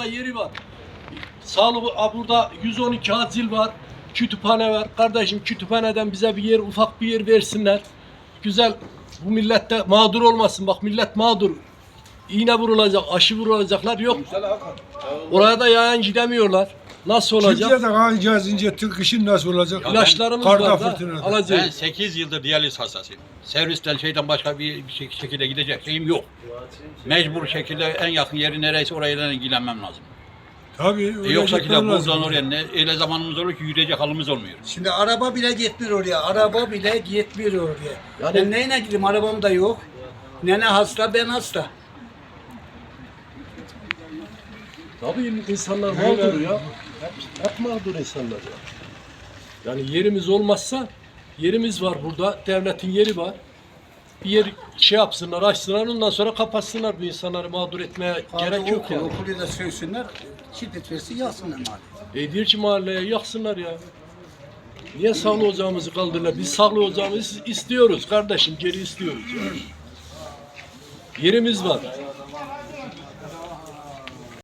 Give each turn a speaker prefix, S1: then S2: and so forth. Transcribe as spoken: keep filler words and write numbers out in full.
S1: burada yeri var. Sağlık, burada yüz on iki acil var. Kütüphane var. Kardeşim kütüphaneden bize bir yer, ufak bir yer versinler. Güzel, bu millette mağdur olmasın. Bak millet mağdur. İğne vurulacak, aşı vurulacaklar yok. Oraya da yayan gidemiyorlar. Nasıl olacak?
S2: Türkiye'de kalacağız ince Türk işin nasıl olacak?
S1: İlaçlarımız
S2: Karda
S1: var da
S2: fırtınada.
S1: alacağız.
S3: Ben sekiz yıldır diyaliz hastasıyım. Servisten şeyden başka bir bir şek- şekilde gidecek şeyim yok. Mecbur şekilde en yakın yeri neresi orayla ilgilenmem lazım.
S2: Tabii.
S3: E
S2: öyle
S3: yoksa ki de
S2: gitmem lazım.
S3: buradan oraya ne, öyle zamanımız olur ki yürüyecek halimiz olmuyor.
S4: Şimdi araba bile gitmiyor oraya. Araba bile gitmiyor oraya.
S1: Yani-
S4: Ben neyle gideyim? Arabam da yok. Nene hasta, ben hasta.
S1: Tabii insanlar mağdur ya. Hep, hep mağdur insanlar ya. Yani yerimiz olmazsa, yerimiz var burada, devletin yeri var. Bir yer şey yapsınlar, açsınlar, ondan sonra kapatsınlar bu insanları mağdur etmeye gerek yok
S4: okul,
S1: yani.
S4: Okulu da söysünler, şiddet versin, yazsınlar mali.
S1: E diyor ki mahalleye yaksınlar ya. Niye sağlı ocağımızı kaldırırlar? Biz sağlı ocağımızı istiyoruz kardeşim, geri istiyoruz. Yani. Yerimiz var.